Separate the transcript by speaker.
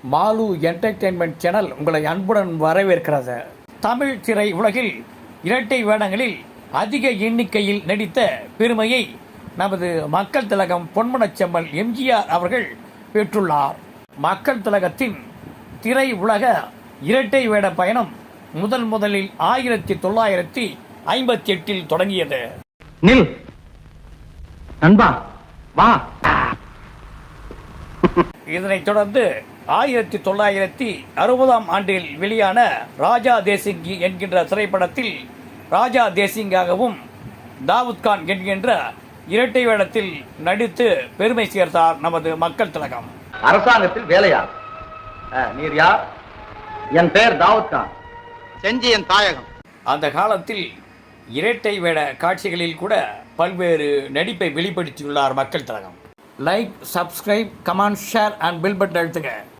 Speaker 1: Mall entertainment channel உங்களை அன்புடன் வரவேற்கிறது. தமிழ் திரை உலகில் இரட்டை வேடங்களில் அதிக எண்ணிக்கையில் நடித்த பெருமையை நமது மக்கள் திலகம் பொன்மனச்செம்மல் எம்ஜிஆர் அவர்கள் பெற்றுள்ளார். மக்கள் திலகத்தின் திரை உலக இரட்டை வேட பயணம் முதலில் 1958 தொடங்கியது.
Speaker 2: நில் நண்பா வா.
Speaker 1: இதனைத் தொடர்ந்து 1960ஆம் ஆண்டில் வெளியான ராஜா தேசிங்கி என்கின்ற திரைப்படத்தில் ராஜா தேசிங்காகவும் தாவூத் கான் என்கின்ற இரட்டை வேடத்தில் நடித்து பெருமை சேர்த்தார் நமது மக்கள் திலகம்.
Speaker 2: அரசாங்கத்தில் வேலையா? நீர் யார்? என் பெயர் தாவூத் கான், செஞ்சி என் தாயகம்.
Speaker 1: அந்த காலத்தில் இரட்டை வேட காட்சிகளில் கூட பல்வேறு நடிப்பை வெளிப்படுத்தியுள்ளார் மக்கள் திலகம். Like, subscribe, comment, share and bell button அழுத்துங்க.